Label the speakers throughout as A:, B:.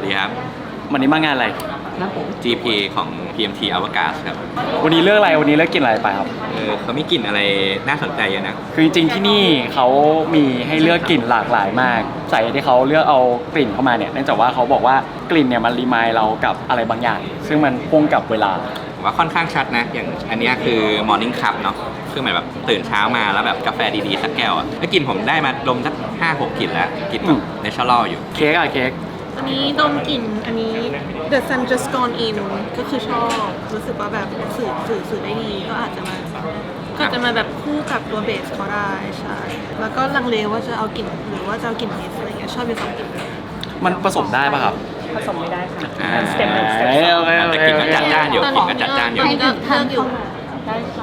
A: ดีครับ
B: วันนี้มางานอะไร
A: GP ของ PMT Avgas ครับ
B: วันนี้เลือกอะไรวันนี้เลือกกินอะไรไปครับ
A: เขามีกลิ่นอะไรน่าสนใจเยอะนะ
B: คือจริงๆที่นี่เขามีให้เลือกกลิ่นหลากหลายมากสาเหตุที่เขาเลือกเอากลิ่นเข้ามาเนี่ยเนื่องจากว่าเขาบอกว่ากลิ่นเนี่ยมันรีมายเรากับอะไรบางอย่าง ซึ่งมันพ่วงกับเวลา
A: ว่าค่อนข้างชัดนะ อย่างอันนี้คือ Morning Cup เนาะคือเหมือนแบบตื่นเช้ามาแล้วแบบกาแฟดีๆสักแก้วอ่ะแล้วกลิ่นผมได้มาดมสัก5-6 กลิ่นแล้วกลิ่นแบบเนเชอรัลอยู่
B: เค้กอะเค้ก
C: อันนี้ดมกลิ่นอันนี้ The Sun Just Gone In ก็คือชอบรู้สึกว่าแบบสื่อได้ดีก็อาจจะมาแบบคู่กับตัวเบสก็ได้ใช่แล้วก็ลังเลว่าจะเอากลิ่นหรือว่าจะเอากลิ่นเบสอะไรเงี้ยชอบอยู่สองกลิ่น
B: มันผสมได้ป่ะครับ
C: ผสมไม่ได้ค่ะ
A: อ่า
C: สเต็ปหนึ่งสเต็ป
B: โอเค
A: แต่กลิ่นก็จัดจ้านอยู่กลิ่นก็จัดจ้านอยู่
C: ตอนนี้ก็เลือกอยู่ได้ค่ะ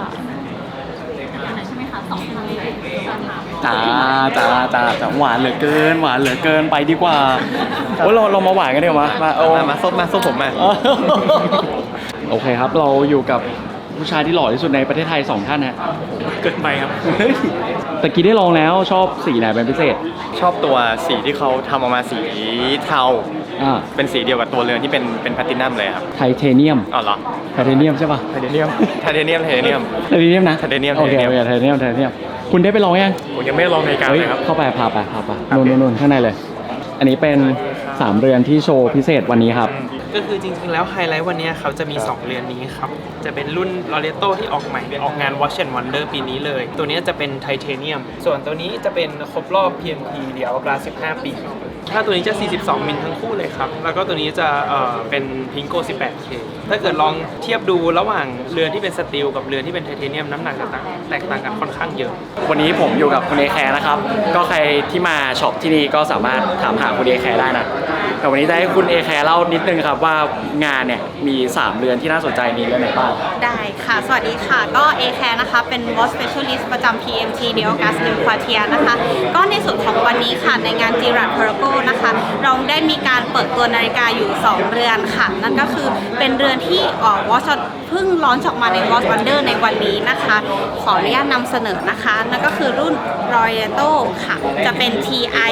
B: จ้าหวานเหลือเกินไปดีกว่าโอ้เรามาหวานกันดีกว่ามามาซบผมมาโอเคครับเราอยู่กับผู้ชายที่หล่อที่สุดในประเทศไทย2ท่านฮะ
D: เกินไปครับ
B: ตะกี้ได้ลองแล้วชอบสีไหนเป็นพิเศษ
D: ชอบตัวสีที่เขาทำออกมาสีเทา เป็นสีเดียวกับตัวเรือนที่เป็นแพลตินัมเลยครับ
B: ไทเทเนียม
D: อ๋อเหรอ
B: ไทเทเนียมใช่ป่ะ
D: ไทเทเนียมไทเทเนียม
B: ไทเทเนียมนะ
D: ไทเทเนียม
B: โอเคไทเทเนียมคุณได้ไปลองยัง
D: ผมยังไม่ได้ลองในการเลยครับ
B: เข้าไปพาไปนู่นข้างในเลย อันนี้เป็น3เรือนที่โชว์พิเศษวันนี้ครับ
E: ก็คือจริงๆ แล้วไฮไลท์วันนี้เขาจะมี 2 เรือนนี้ครับ จะเป็นรุ่น Loreto ที่ออกใหม่ออกงาน Watch and Wonder ปีนี้เลย ตัวนี้จะเป็นไทเทเนียม ส่วนตัวนี้จะเป็นครบรอบ PMT เดี๋ยวกลา15 ปี ถ้าตัวนี้จะ 42 มิลทั้งคู่เลยครับ แล้วก็ตัวนี้จะเป็นพิงโก้ 18K ถ้าเกิดลองเทียบดูระหว่างเรือนที่เป็นสตีลกับเรือนที่เป็นไทเทเนียมน้ำหนักจะแตกต่างกันค่อนข้างเยอะ
B: วันนี้ผมอยู่กับคุณเอแคร์นะครับ ก็ใครที่มาช็อปที่นี่ก็สามารถถามหาคุณเอแคร์ได้นะ แต่วันนี้จะให้คุณเอแคร์เล่านิดนึงครับว่างานเนี่ยมี3เรือนที่น่าสนใจมีเรือนไหนบ้าง
F: ได้ค่ะ สวัสดีค่ะ ก็ A-Care นะคะ เป็น Watch Specialist ประจำ PMT d e o g a s New Quartier นะคะ ก็ในส่วนของวันนี้ค่ะ ในงาน Girard Perregaux นะคะ เราได้มีการเปิดตัวนาฬิกาอยู่ 2 เรือนค่ะ นั่นก็คือเป็นเรือนที่Watch เพิ่งร้อนออกมาใน Watch Wonder ในวันนี้นะคะ ขออนุญาตนำเสนอนะคะ นั่นก็คือรุ่น Loreto ค่ะ จะเป็น TI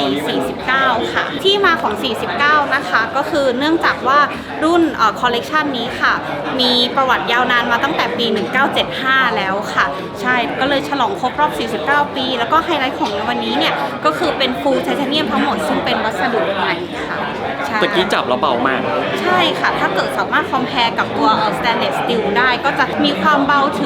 F: 49 ค่ะ ที่มาของ 49 นะคะ ก็คือเนื่องจากว่ารุ่นคอลเลกชันนี้ค่ะมีประวัติยาวนานมาตั้งแต่ปี 1975 แล้วค่ะใช่ก็เลยฉลองครบรอบ 49 ปี แล้วก็ไฮไลท์ของวันนี้เนี่ยก็คือเป็นฟูลไทเทเนียมทั้งหมดซึ่งเป็นวัสดุใหม่ค่ะใช่
B: ตะกี้จับแล้วเบามาก
F: ใช่ค่ะถ้าเกิดสามารถคอมเพลกับตัวstainless steel ได้ก็จะมีความเบาถึง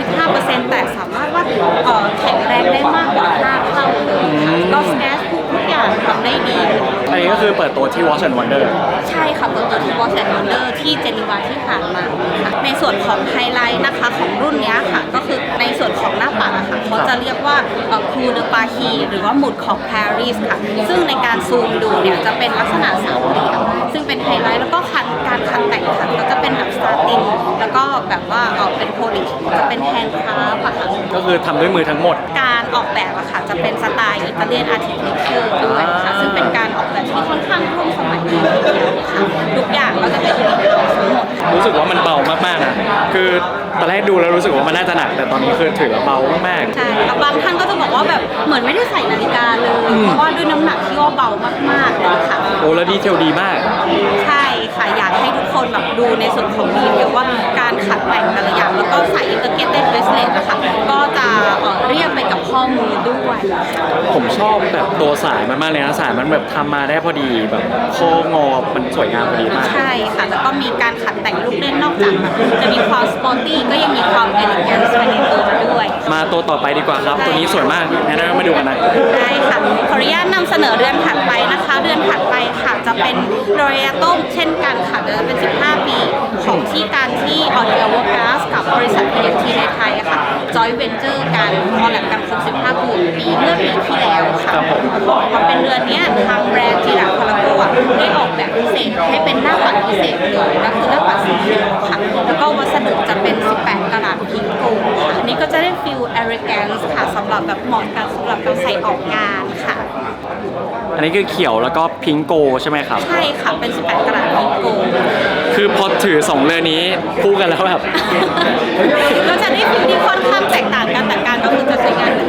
F: 35% แต่สามารถว่าแข็งแรงได้มากกว่า5เท่าเลยค่ะก็สแกนทุกอย่างทำได้ดี
B: อันนี้ก็คือเปิดตัวที่ Watch and Wonder
F: ใช่ค่ะเปิดตัวที่ Watch and Wonder ที่เจนีวาที่ผ่านมาค่ะในส่วนของไฮไลท์นะคะของรุ่นนี้ค่ะก็คือในส่วนของหน้าปัดอะค่ะเขาจะเรียกว่าคูเดปาฮีหรือว่าหมุดของปารีสค่ะซึ่งในการซูมดูเนี่ยจะเป็นลักษณะสามเหลี่ยมซึ่งเป็นไฮไลท์แล้วก็การคันแต่งค่ะก็จะเป็นแบบสตาร์ตินแล้วก็แบบว่าเป็นโพลิชจะเป็นแฮนด์คราฟอะค่ะ
B: ก็คือทำด้วยมือทั้งหมด
F: การออกแบบอะค่ะจะเป็นสไตล์อิตาเลียนอาร์ติเทคเจอร์ด้วยค่ะซึ่งเป็นการออกแบบที่ค่อนข้างร่วมสมัยทีเดียวค่ะทุกอย่างก็จะเป็นอินเดียทั้งหมด
B: รู้สึกว่ามันเบามากๆนะคือตอนแรกดูแล้วรู้สึกว่ามันน่าจะหนัก แต่ตอนนี้คือถือว่าเบามาก
F: ใช่แล้วบางท่านก็จะบอกว่าแบบเหมือนไม่ได้ใส่นาฬิกาเลย เพราะว่าด้วยน้ำหนักที่ว่าเบามากๆเลยค่ะ
B: โอ้แล้วดีเทลดีมาก
F: ใช่ค่ะอยากให้ทุกคนแบบดูในส่วนของดีเทลว่าการขัดแต่งแต่ละอย่างแล้วก็ใส่อินเตอร์เกตเต็ดเบสเลตนะคะก็จะเรียบไปกับข้อมือด้วย
B: ผมชอบแบบตัวสายมันมากเลยนะสายมันแบบทำมาได้พอดีแบบโค้งงอมันสวยงามพอดีมาก
F: ใช่ค่ะแล้วก็มีการขัดแต่งลูกเล่นนอกจากแบบจะมีความสปอร์ตี้ก็ยังมีความเอลิแกนซ์ไปในตัวด้วย
B: มาตัวต่อไปดีกว่าครับ ตัวนี้สวยมากงั้นเรามาดูกันนะ
F: ได้ค่ะขออนุญาตนำเสนอเรือนถัดไปนะคะเรือนถัดไปค่ะจะเป็นโรเอโต้เช่นกันค่ะจะเป็น 15 ปีของที่การที่เดียร์ก๊าซกับบริษัท PMT ในไทยอะค่ะจอยเวนเจอร์กันคอลแลบกันครบ15 ปีเมื่อปีที่แล้วค่ะพอเป็นเรือนนี้ทางแบรนด์จีราพาราโกะได้ออกแบบพิเศษให้เป็นหน้าปัดพิเศษเลยก็คือหน้าปัดสีเขียวค่ะแล้วก็วัสดุจะเป็น 18 กะรัตพิงโกค่ะอันนี้ก็จะได้ฟิลเอริแกนซ์ค่ะสำหรับแบบเหมาะกันสำหรับการใส่ออกงานค่ะ
B: อันนี้คือเขียวแล้วก็พิงโกใช่ไหมครับ
F: ใช่ค่ะเป็น 18 กะรัตพิงโก
B: คือพอถือ2เรือนนี้คู่กันแล้วแบบ
F: ก็จะได้ฟิลที่ค่อนข้างแตกต่างกันแต่การก็คือจะใช้งานเหมือนกัน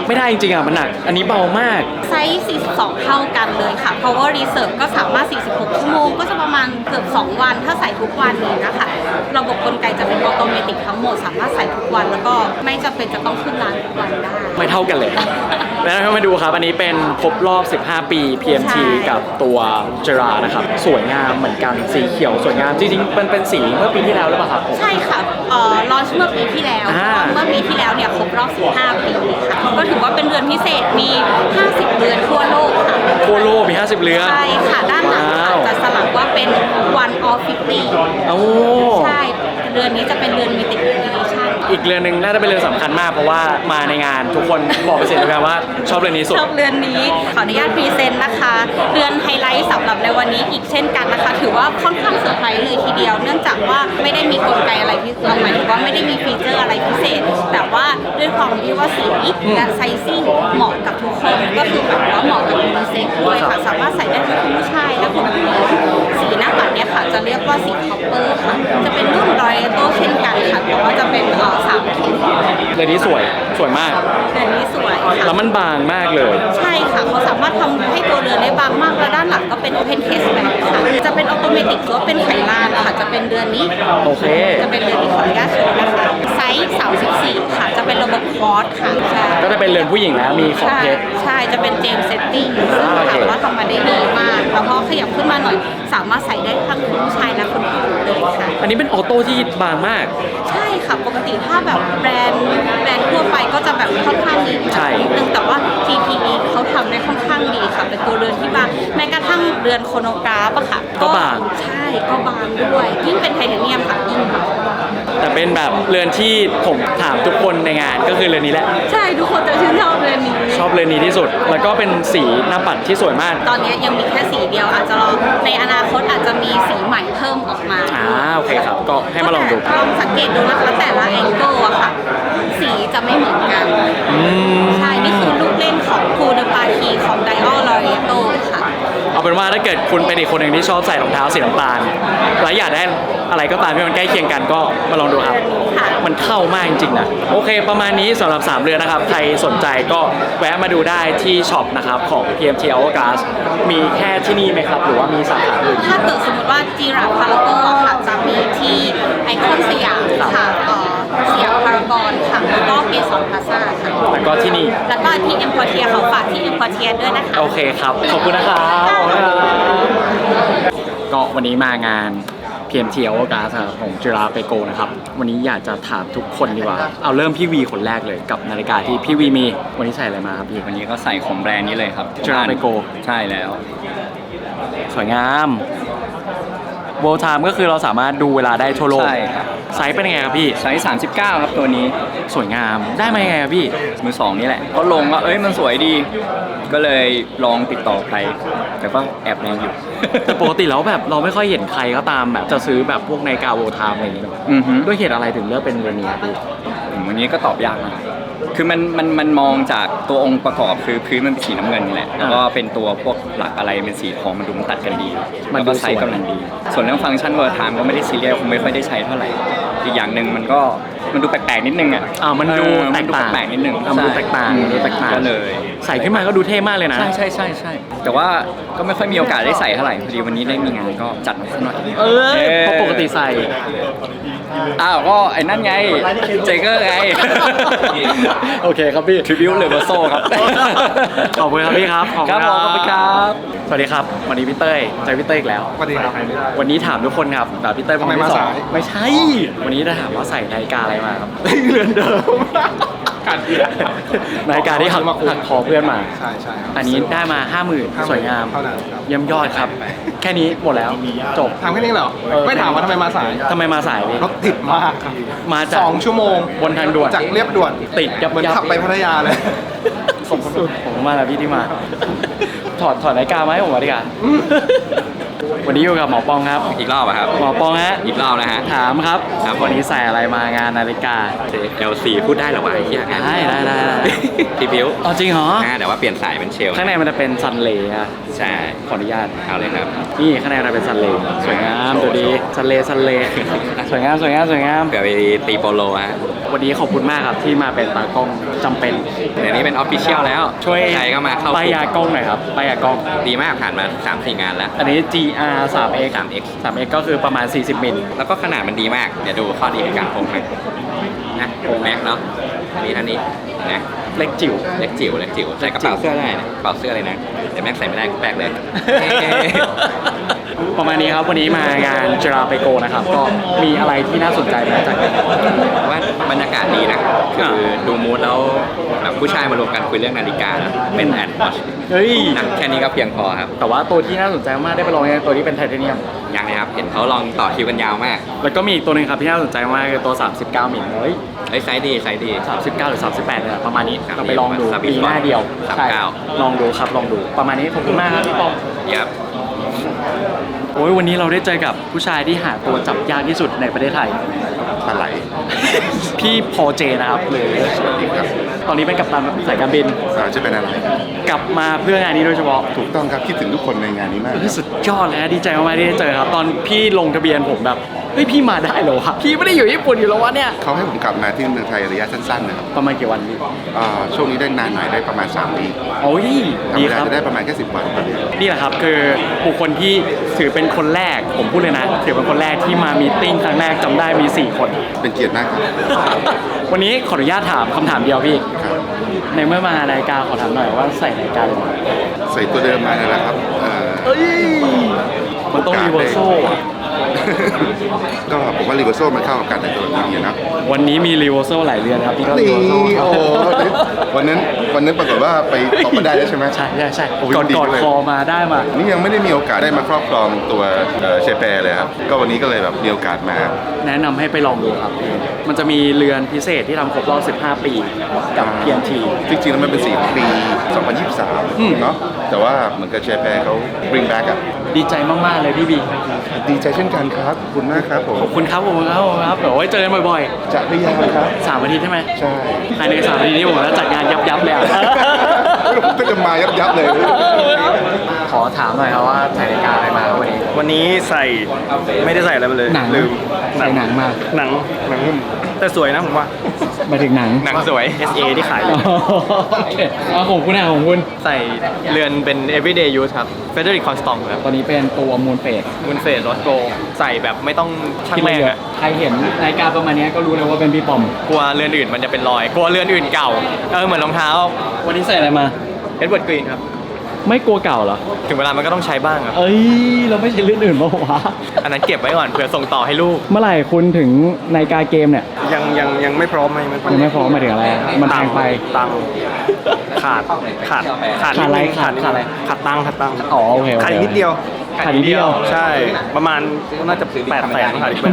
B: ไม่ได้จริงๆอ่ะมันหนักอันนี้เบามาก
F: ไซส์42 เท่ากันเลยค่ะ Power Reserve ก็สามารถ 46 ชั่วโมง ก็จะประมาณเกือบ 2 วัน ถ้าใส่ทุกวันนี้นะคะ ระบบกลไกจะเป็นออโตเมติกทั้งหมด สามารถใส่ทุกวัน แล้วก็ไม่จำเป็นจะต้องขึ้นร้านทุกวันได้
B: ไม่เท่ากันเลย แล้วเรามาดูครับ อันนี้เป็นครบรอบ 15 ปี PMT
F: ใช่
B: กับตัวเจรานะครับ สวยงามเหมือนกัน สีเขียวสวยงาม จริงๆเป็นสีเมื่อปีที่แล้วหรือเปล่าครับผม
F: ใช่ค่ะลอนช์เมื่อปีที่แล้ว
B: อ่า
F: เมื่อปีที่แล้วเนี่ยครบรอบ 15 ปีค่ะ ก็ถือว่าเป็นเรือนพิเศษ มี 50 เรือนทั่วโลกค่ะ
B: ทั่วโลกมี 50 เรือน
F: ใช่ค่ะ ด้านหลัง
B: ว้า
F: ค่ะ
B: ว
F: จะสลักว่าเป็น one of 50
B: โอ้
F: ใช่ เรือนนี้จะเป็นเรือน limited edition
B: อีกเรือนหนึ่งน่าจะเป็นเรือนสำคัญมากเพราะว่ามาในงานทุกคนบอกเป็นเสียงเดียวกันว่าชอบเรือนนี้สุด
F: ชอบเรือนนี้ขออนุญาตพรีเซนต์นะคะ เรือนไฮไลท์สำหรับในวันนี้อีกเช่นกันนะคะ ถือว่าค่อนข้างเซอร์ไพรส์เลยทีเดียว เนื่องจากว่าไม่ได้มีกลไกอะไรพิเศษหมายถึงว่าไม่ได้มีฟีเจอร์อะไรพิเศษ แต่ว่าด้วยความที่ว่าสีและไซซิ่งเหมาะกับทุกคนก็คือแบบว่าเหมาะกับยูนิเซ็กซ์ด้วยค่ะ สามารถใส่ได้ทั้งคุณผู้ชายและคุณผู้หญิงสีหน้าปัดเนี่ยค่ะจะเรียกว่าสีคอปเปอร์ค่ะจะเป็นรุ่นรอยโตเช่นกันค่ะแต่ว่าจะเป็น3 เข็ม
B: เรือนนี้สวยมาก
F: เรือนนี้สวยค่ะ
B: แล้วมันบางมากเลย
F: ใช่ค่ะเขาสามารถทำให้ตัวเรือนได้บางมากและด้านหลังก็เป็น Open Case แบบค่ะจะเป็นออโตเมติกหรือว่าเป็นไขลานค่ะจะเป็นเรือนนี้
B: โอเค
F: จะเป็นเรือนที่ขออนุญาตโชว์นะคะไซส์34ค่ะจะเป็นระบบคอร์สค่ะใช่
B: ก็จะเป็นเรือนผู้หญิงแล้วมีขอบ
F: ใช่
B: เพชร
F: ใช่จะเป็นเจมเซตติ้งซึ่ง
B: โอเค
F: ถามว่าทำมาได้ดีมากแล้วพอขยับขึ้นมาหน่อย สามารถใส่ได้ทั้งคุณผู้ชายและคุณผู้หญิงเลยค่ะ
B: อันนี้เป็นออโต้ที่บางมาก
F: ใช่ค่ะปกติถ้าแบบแบรนด์ทั่วไปก็จะแบบค่อนข้างดี
B: ใช่
F: นิดนึงแต่ว่า TPE เขาทำได้ค่อนข้างดีค่ะเป็นตัวเรือนที่บางแม้กระทั่งเรือนโครโนกราฟอะค่ะ
B: ก็บาง
F: ใช่ก็บางด้วยยิ่งเป็นไทเทเนียมค่ะยิ่งบาง
B: แต่เป็นแบบเรือนที่ผมถามทุกคนในงานก็คือเรือนนี้แหละ
F: ใช่ทุกคนจะชื่นชอบเรือนนี้
B: ชอบเรือนนี้ที่สุด แล้วก็เป็นสีหน้าปัดที่สวยมาก
F: ตอนนี้ยังมีแค่สีเดียวอาจจะรอในอนาคตอาจจะมีสีใหม่เพิ่มออกมา
B: โอเคครับ ก็ให้มาลองดู
F: ลองสังเกตดูนะคะแต่ละแองเกิลอะค่ะ สีจะไม่เหมือนกัน ใช่ นี่คือลูกเล่นของคูเดปาคีของไดออลลอเรโตค่ะ
B: เอาเป็นว่าถ้าเกิดคุณเป็นอีกคนหนึ่งที่ชอบใส่รองเท้าสีน้ำตาล แล้วอยากได้อะไรก็ตามที่มันใกล้เคียงกันก็มาลองดูครับ
F: ค่ะ
B: มันเข้ามากจริงๆนะ โอเค ประมาณนี้สำหรับ 3 เรือนนะครับ ใครสนใจก็แวะมาดูได้ที่ช็อปนะครับของ PMT Hourglass มีแค่ที่นี่ไหมครับ หรือว่ามีสาขาอื่น
F: ถ้าเกิดสมมติว่าจีราพารากอนค่ะจะมีที่ไอคอนสยามค่ะสยามพารากอนค่ะแล้วก็เกสรพลาซ่าค่ะ
B: แล้วก็ที่นี่
F: แล้วก็ที่เอ็มพอเทียเขาฝากที่เอ็มพอเทียด้วยนะคะ
B: โอเคครับ ขอบคุณนะครับก็วันนี้มางาน PMT Hourglass ครับของจิราเปโกนะครับ วันนี้อยากจะถามทุกคนดีกว่า เอาเริ่มพี่วีคนแรกเลยกับนาฬิกาที่พี่วีมี วันนี้ใส่อะไรมาครับพี่
A: วันนี้ก็ใส่ของแบรนด์นี้เลยครับ
B: Jerapeco
A: ใช่แล้ว
B: สวยงามโวลไทม์ก็คือเราสามารถดูเวลาได้ทั่วโลก
A: ใช่ครับ
B: ไซส์เป็นยังไงครับพี่
A: ไซส์39 ครับตัวนี้
B: สวยงาม ได้มายังไงครับพี่
A: มือสองนี่แหละก็ลงว่ามันสวยดี ก็เลยลองติดต่อใคร แต่ก็แอบแรงอยู่
B: แต่ปกติแล้วแบบเราไม่ค่อยเห็นใครก็ตามแบบจะซื้อแบบพวกนาฬิกาโวลไทม์อะไรอย่างเงี้ย
A: อือฮึ
B: ด้วยเหตุอะไรถึงเลือกเป็นเรือนนี้ครับพี่
A: วันนี้ก็ตอบยากนะคือมันมองจากตัวองค์ประกอบคือพื้นมันเป็นสีน้ำเงินนี่แหละ แล้วก็เป็นตัวพวกหลักอะไรเป็นสีทองมันดูมันตัดกันดี
B: มัน
A: แล้ว
B: ดู
A: ก็ไซส์
B: สวย
A: กำลังดี ส่วนเรื่องฟังก์ชันเวอร์ไทม์ก็ไม่ได้ซีเรียสคงไม่ค่อยได้ใช้เท่าไหร่ อีกอย่างหนึ่งมันดูแปลกๆนิดนึงอ่ะ
B: มันดู
A: เออ
B: แตกต่าง
A: มันดูแปลกๆนิดนึง
B: มันดูแตกต่างดูแตกต่าง
A: ก็เลย
B: ใส่ขึ้นมาก็ดูเท่มากเลยนะ
A: ใช่แต่ว่าก็ไม่ค่อยมีโอกาสได้ใส่เท่าไหร่พอดีวันนี้ได้มีงานก็จัดมาสักหน่อย
B: เพราะปกติใส่
A: ก็ไอ้นั่นไงเจเกอร์ไง
B: โอเคครับพี่
A: ทริบิวเลเวอร์โซครับ
B: ขอบคุณครับพี่ครับ
A: ครับผมขอบคุณครับ
B: สวัสดีครับ วันนี้พี่เต้ยเจอพี่เต้ยอีกแล้ว
D: สวัสดีครับ
B: วันนี้ถามทุกคนครับแต่พี่เต้ยเป็นคนที่
D: ทำไมมา
B: สอ
D: สาง ย
B: ไม่ใช่ วันนี้จะถามว่าใส่นาฬิกาอะไรมาครับ เรือนเดิมนาฬิกาที่หักคอเพื่อนมา
D: ใช่ใช่ครับ
B: อันนี้ได้มา 50,000 สวยงาม
D: เท่านั้นครับ
B: เยี่ยมยอดครับ แค่นี้หมดแล้วจบ
D: ถามแค่นี้เหรอ ไม่ถามว่าทำไมมาสาย
B: ทำไมมาสายพี่
D: รถติดมากครับ
B: มาจาก
D: 2 ชั่วโมง
B: บนทางด่วน
D: จากเรียบด่วน
B: ติดยับ
D: เหมือน
B: ยับ
D: ขับไปพัทยาเลย
B: ขอบคุณผมมากนะพี่ที่มา ถอดนาฬิกามาให้ผมมาดีกว่าวันนี้อยู่กับหมอปองครับ
A: อีกรอบอะครับ
B: หมอปองฮะ
A: อีกรอบนะฮะ
B: ถามครับ
A: ครับ
B: วันนี้ใส่อะไรมางานนาฬิกา
A: LC พูดได้เหรอวะไอ้เหี้ย
B: ได้
A: พี่บิว
B: อ๋อจริงเหรอ
A: แต่ว่าเปลี่ยนสายเป็นเชล
B: ข้างในมันจะเป็นซันเลย์อะ
A: ใช่
B: ขออนุญาต
A: เอาเลยครับ
B: นี่ข้างในมันเป็นซันเลย์สวยงามดูดีซันเลย์สวยงามสวยงามสวยงาม
A: เผื่อไปตีโปโลฮะ
B: วันนี้ขอบคุณมากครับที่มาเป็นตากล้องจำเป็น
A: เดี๋ยวนี้เป็นออฟฟิเชียลแล้ว
B: ช่วย
A: ใครก็มาเข้า
B: ป้ายยากล้องหน่อยครับป้ายยากล้อง
A: ดีมากผ่านมา 3-4 งานแล้ว
B: อันนี้ GR 3X
A: 3X
B: 3X ก็คือประมาณ 40 มิล
A: แล้วก็ขนาดมันดีมาก เดี๋ยวดูข้อดีในการพกนะโปรแม็กเนาะอันนี้นะ
B: เล็กจิ๋ว
A: เล็กจิ๋วใส่กระเป๋าเสื้อได้นะกระเป๋าเสื้อเลยนะแต่แม็กใส่ไม่ได้กูแปลกเลย
B: ประมาณนี้ครับวันนี้มางานจราเปโกนะครับ ก็มีอะไรที่น่าสนใจมาจากกัน
A: ว่าบรรยากาศดีนะคือดูมูดแล้วแบบผู้ชายมารวมกันคุยเรื่องนาฬิกานะเป็นแอดวอช
B: เฮ้ย
A: นะแค่นี้ก็เพียงพอครับ
B: แต่ว่าตัวที่น่าสนใจมากได้ไปลองยังตัวที่เป็นไทเทเนียม
A: ยังนะครับ เห็นเขาลองต่อคิวกันยาวมาก
B: แล้วก็มีอีกตัวหนึงครับที่น่าสนใจมากคือตัว 39 มิลเฮ้ย
A: ไซส์ดี
B: 39 หรือ 38เนี่ยประมาณนี้
A: ครับ
B: เราไปลองดู
A: 39
B: ปีหน้าเดียว
A: 39
B: ใช่ลองดูครับลองดูประมาณนี้ขอบคุณมากครับพี่ปอง
A: ยับ
B: โอ้ยวันนี้เราได้เจอกับผู้ชายที่หาตัวจับยากที่สุดในประเทศไทย
G: ปลาไหล
B: พี่พอเจนะครับหรือตอนนี้เป็นกัปตันสายการบิน
G: จะเป็นอะไร
B: กลับมาเพื่องานนี้โดยเฉพาะ
G: ถูกต้องครับคิดถึงทุกคนในงานนี้มากครับ
B: สุดยอดเลยนะดีใจมากๆที่ได้เจอครับ ตอนพี่ลงทะเบียนผมแบบเฮ้ยพี่มาได้เหรอวะพี่ไม่ได้อยู่ญี่ปุ่นอยู่แล้ววะเนี่ย
G: เขาให้ผมกลับมาที่เมืองไทยระยะสั้นๆนะครับ
B: ประมาณกี่วันพี่
G: ช่วงนี้ได้นานหน่อยได้ประมาณ3 ปี
B: โอ้ย
G: ธรร
B: ดี
G: ม
B: ค
G: ดา
B: รับ
G: จะได้ประมาณแค่10 วันต่อเดือน
B: นี่แหละครับคือบุคคลที่ถือเป็นคนแรกผมพูดเลยนะถือเป็นคนแรกที่มามีตติ้งครั้งแรกจำได้มี4 คน
G: เป็นเกียรติมากครับ
B: วันนี้ขออนุญาตถามคำถามเดียวพี่
G: ครับ
B: ในเมื่อมานาฬิกาขอถามหน่อยว่าใส่นาฬิกาเลยไหม
G: ใส่ตัวเดิมมานั่นแหละครับ
B: เอ้ยมันต้องรีเวอร์โซ่อะ
G: ก็ผมว่ารีเวอร์โซมันเข้ากับการแต่งตัวแบบนี้นะ
B: วันนี้มีรีเวอร์โซ่หลายเรือนครับพี่ก็
G: นี่
B: รีเวอร์โซ่
G: โอ้โหวันนั้นปรากฏว่าไปตกมาได้แล้วใช่ไหม
B: ใช่ใช่
G: โอ้ย
B: ก่อน
G: ดี
B: กอด
G: เลย
B: คอมาได้มา
G: นี่ยังไม่ได้มีโอกาสได้มาครอบครองตัวเชเปเลยครับก็วันนี้ก็เลยแบบมีโอกาสมา
B: แนะนำให้ไปลองดูครับ มันจะมีเรือนพิเศษที่ทำครบรอบ 15 ปีกับ PNT
G: จริงๆแล้วมันเป็นสีของปี 2023 เนาะแต่ว่าเหมือนกับเชเปเขา bring back อ่ะ
B: ดีใจมาก ๆ เลยพี่บี
G: ดีใจเช่นกันครับขอบคุณมากครับผม
B: ขอบคุณครับผมครับเดี๋ยวไว้เจอกันบ่อย
G: จะพยายามครับ
B: ๆ3 อาทิตย์ใช่ไหม
G: ใช่
B: ภายใน3 อาทิตย์นี้ผมจะจัดงานยับ ๆ เลยอะ
G: ผมก็จะมายับๆเลย
B: ขอถามหน่อยครับว่าใส่นาฬิกาอะไรมาวันนี้
D: วันนี้ใส่ไม่ได้ใส่อะไรมาเลย
B: หนัง
D: ลืม
B: ใส่หนังมา
D: หนังหุ้มแต่สวยนะผมว่า
B: มาถึงหนัง
D: หนังสวย SA ที่ขายอยู่
B: โอเคเอาของคุณของคุณ
D: ใส่เรือนเป็น everyday use ครับ Frederic Constant ครับ
B: ตอนนี้เป็นตัวมูลเฟส
D: มูนเฟสรถโกใส่แบบไม่ต้องช่าง
B: ที่
D: แร
B: ไม่
D: ง
B: เยอะ
D: อะ
B: ใครเห็นนาฬิกาประมาณนี้ก็รู้เลยว่าเป็นพี่ปอม
D: กลัวเรือนอื่นมันจะเป็นรอย กลัวเรือนอื่นเก่าเหมือนรองเท้า
B: วันนี้ใส่อะไรมา
D: Edward Green ครับ
B: ไม่กลัวเก่าเหรอ
D: ถึงเวลามันก็ต้องใช้บ้างครับ
B: เอ้ย เราไม่ใช่เรื่องอื่นมาวะ
D: อันนั้นเก็บไว้ก่อนเผื่อส่งต่อให้ลูก
B: เมื่อไหร่คุณถึงนาฬิกาเกมเนี่ย
D: ยังไม่พร้อมไม่
B: ยังไม่พร้อมหมายถึงอะไรอะมันแพงไป
D: ตังค์ขาด
B: ขาดอะไร
D: นิดนึง
B: ขาดอะไร
D: ขาดตังค์
B: อ๋อโอเค
D: ขาดอีกนิดเดียว
B: ขาดนิดเดียว
D: ใช่ประมาณน่าจะ800,000ขาดอีก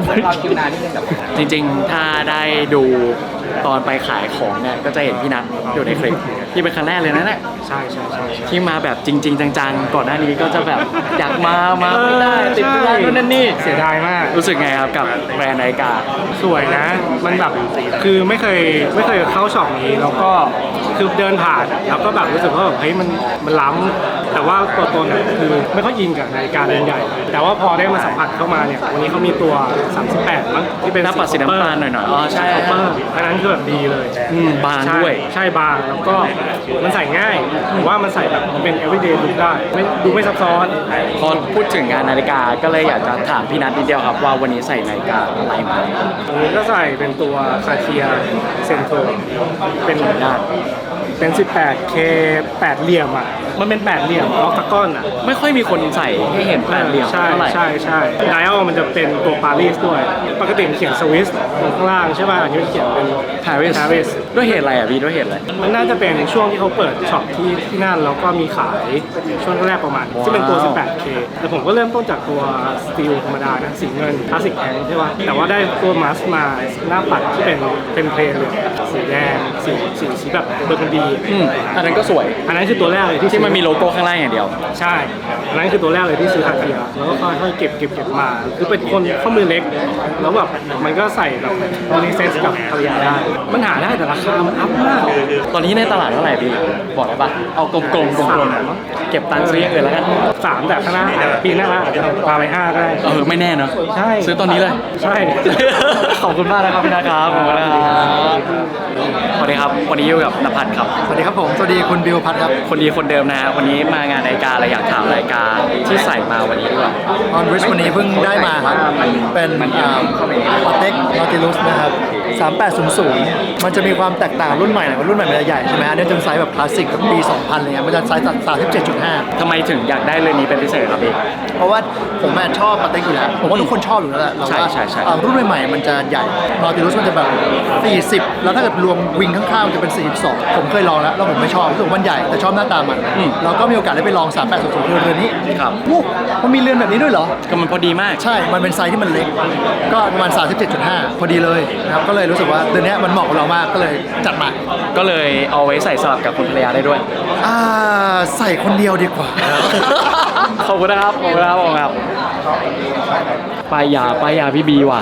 D: 800,000
B: จริงๆ ถ้าได้ดูตอนไปขายของเนี่ยก็จะเห็นพี่นัทอยู่ในคลิปที่เป็นครั้งแรกเลยนะเนี่ย
D: ใช่ใช่
B: ที่มาแบบจริง ๆ จังๆ ก่อนหน้านี้ก็จะแบบอยากมาไม่ได้ติดธุระนู่นนั่นนี่
E: เสียดายมาก
B: รู้สึกไงครับกับแบรนด์นาฬิกา
E: สวยนะ มันแบบคือไม่เคยเข้าช็อปนี้แล้วก็คือเดินผ่านแล้วก็แบบรู้สึกว่าแบบเฮ้ยมันล้ำแต่ว่าตัวตนอะคือไม่ค่อยอินกับนาฬิกาเรือนใหญ่ แต่ว่าพอได้มาสัมผัสเข้ามาเนี่ยวันนี้เขามีตัว 38 มั้งที่เป็น
B: หน้าปัดสีน้ำตาลหน่อยๆอ๋อใช่
E: คอปเปอร์อันนั้นคือแบบดีเลย
B: บางด้วย
E: ใช่บางแล้วก็มันใส่ง่ายผมว่ามันใส่แบบมันเป็น everyday look ได้ดูไม่ซับซ้อน
B: พอพูดถึงงานนาฬิกาก็เลยอยากจะถามพี่นัทนิดเดียวครับว่าวันนี้ใส่นาฬิกาอะไรมา
E: อันนี้ก็ใส่เป็นตัวคาเทียเซนโทเป็นด้านเป็น 18K 8 เหลี่ยมอ่ะมันเป็น8 เหลี่ยมออกตะก้อนอ่ะ
B: ไม่ค่อยมีคนใส่ให้เห็นแปดเหลี่ยม
E: ใช่
B: เท่าไหร่
E: ใช่ไดอัลมันจะเป็นตัวปารีสด้วย ปกติมันเขียนสวิสตรงข้างล่างใช่ป่ะอันนี้มันเขียนเป็น
B: Paris
E: ปารีส
B: ด้วยเหตุอะไรอ่ะพี่ด้วยเหตุอะไร
H: มันน่าจะเป็นช่วงที่เขาเปิดช็อปที่นั่นแล้วก็มีขายช่วงแรกประมาณที่เป็นตัว 18K แต่ผมก็เริ่มต้นจากตัวสตีลธรรมดานะสีเงินคลาสสิกแทงใช่ป่ะแต่ว่าได้ตัวมาสมาหน้าปัดที่เป็นเพลนเลยสีแดงสีแบบเบอร์กันดี
B: อันนั้นก็สวย
H: อันนั้นคือตัวแรกเลยที่
B: ที่มันมีโลโก้ข้างล่างอย่างเดียว
H: ใช่อันนั้นคือตัวแรกเลยที่ซื้อคาเทียแล้วก็ค่อยๆเก็บมา คือเป็นคนข้อมือเล็กแล้วแบบมันก็ใส่แบบรีเซนส์กับภรรยาได้มันหาได้แต่ราคามันอัพมาก
B: ตอนนี้ในตลาดเท่าไหร่พี่บอกได้ปะเอากลมๆเก็บตังค์ซื้ออย่างอื่นแล้วกัน
H: 3แต่ข้างหน้าปีหน้าอาจจะพาไป5ก็ได้
B: ไม่แน่เนาะ
H: ใช่
B: ซื้อตอนนี้เลย
H: ใช่
B: ขอบคุณมากนะครับพี่นะครับขอบคุณนะครับสวัสดีครับวันนี้อยู่กับนภัสครับ
I: สวัสดีครับผม สวัสดีคุณบิวพัทครับ
B: คนดีคนเดิมนะฮะวันนี้มางานรายการอะไรอยากถามรายการที่ใส่มาวันนี้ดีกว่า
I: ออนริชวันนี้เพิ่งได้มาครับ เป็นปาเต็กนอติลุสนะครับ 3800 มันจะมีความแตกต่างรุ่นใหม่หน่อยว่ารุ่นใหม่มันจะใหญ่ใช่ไหมอันนี้จะเป็นไซส์แบบคลาสสิกแบบปี 2000อะไรเงี้ยมันจะไซส์ 37.5
B: ทำไมถึงอยากได้เรื่องนี้เป็นพิเศษครับพี่
I: เพราะว่าผมชอบปาเต็กอยู่แล้ว ผมว่าทุกคนชอบอยู่แล้วแหละแต่ว่า
B: ใช่
I: รุ่นใหม่ๆมันจะใหญ่นอติลุสมันจะแบบ 40 แล้วถ้าเกิดรวมวิงข้างๆมันจะเป็น 42 ผมเคยลองแล้วผมไม่ชอบรู้สึกมันใหญ่แต่ชอบหน้าตามันเราก็มีโอกาสได้ไปลอง 3800 คือเรือนนี้
B: ครับ
I: วู้มันมีเรือนแบบนี้ด้วยเหรอ
B: ก็มันพอดีมาก
I: ใช่ มันเป็นไซส์ที่มันเล็ก ก็ประมาณ 37.5 พอดีเลยนะครับ ก็เลยรู้สึกว่าตัวเนี้ยมันเหมาะกับเรามาก ก็เลยจัดมา
B: ก็เลยเอาไว้ใส่สลับกับคุณภรรยาได้ด้วย
I: ใส่คนเดียวดีกว่า
B: ขอบคุณนะครับขอบคุณครับขอบคุณครับป้ายยาพี่บีว่ะ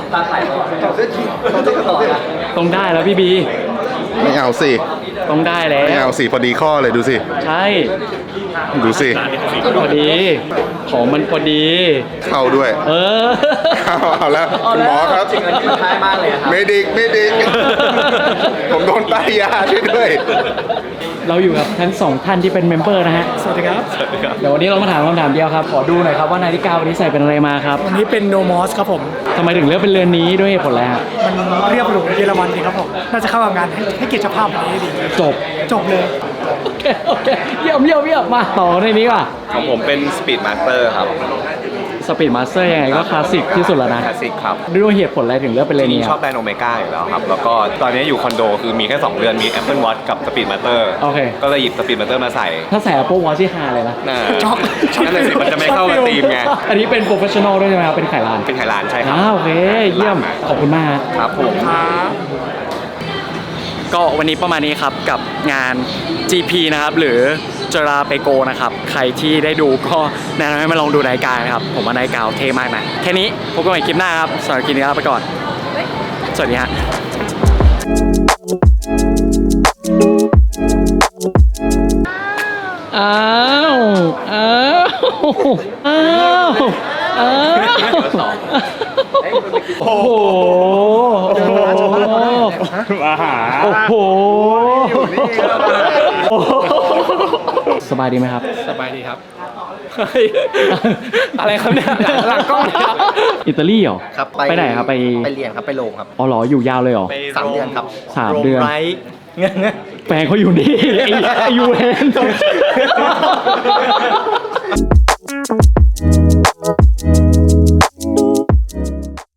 B: ต้องได้แล้วพี่บี
G: ไม่เอาสิ
B: ต้องได้แล้ว
G: ไม่เอาสิพอดีข้อเลยดูสิ
B: ใช่
G: ดูสิ
B: พอดีของมันพอดี
G: เข้าด้วย เอาแล้วคุณหมอครับไม่ดิก ผมโดนป้ายยาช่วยด้วย
B: เราอยู่กับทั้งสองท่านที่เป็นเมมเบอร์นะฮะ
H: สวัสดีครับ
B: เดี๋ยววันนี้เรามาถามคำถามเดียวครับ ขอดูหน่อยครับว่านาฬิกาวันนี้ใส่เป็นอะไรมาครับ
H: วันนี้เป็นโนมอสครับผม
B: ทำไมถึงเลือกเป็นเรือนนี้ด้วยเหตุผลอะไรฮะ
H: มันเรียบหรูเยอรมันดีครับผม น่าจะเข้ากับงานให้เกียรติเจ้าภาพวันนี้ดี จบเลย
B: โอเคเยี่ยมมาต่อในนี้ก่ะ
D: ของผมเป็น Speed Master ครับ
B: สปีดมาสเตอร์ยังไงก็คลาสสิกที่สุดแล้วนะ
D: คลาสสิกครับ
B: ด้วยเหตุผลอะไรถึงเลือกเป็นเรือน
D: จริ
B: นี้
D: งๆ
B: ค
D: ช
B: รั
D: อบบ แบรนด์โอเมก้าอยู่แล้วครับ แล้วก็ตอนนี้อยู่คอนโดคือมีแค่ 2 เรือนมี Apple Watch กับ Speed Master
B: โอเค
D: ก็เลยหยิบ Speed Master มาใส่
B: ถ้าใส่ Apple Watch ที่ฮาเลยนะ
D: น่านั่นเลยสิมันจะไม่เข้ากับธีมไง
B: อันนี้เป็นโปรเฟชชั่นอลด้วยใช่ไหมครับ เป็นไขลาน
D: เป็นไทยร้านใช่ครับ
B: โอเค เยี่ยม ขอบคุณมาก
D: ครับผม
B: ก็วันนี้ประมาณนี้ครับกับงาน GP นะครับหรือจราเปโกนะครับใครที่ได้ดูก็แนะนำให้มาลองดูรายการนะครับผมว่ารายการเท่มากนะแค่นี้พบกันใหม่คลิปหน้าครับสำหรับคลิปนี้ลาไปก่อนสวัสดีฮะอ้าวโอ้โหมาหาโอ้โหสบายดีไหมครับสบายดีครับอะไรครับเนี่ยหลังกล้องอิตาลีเหรอ
I: ครับ
B: ไปไหนครับไป
I: เรียนครับ ไปโรงครับ
B: อ๋อเหรออยู่ยาวเลยเหรอ
I: 3 เดือนครับ
B: 3 เดือนแฟนเขาอยู่นี่ไอ้ยูเวน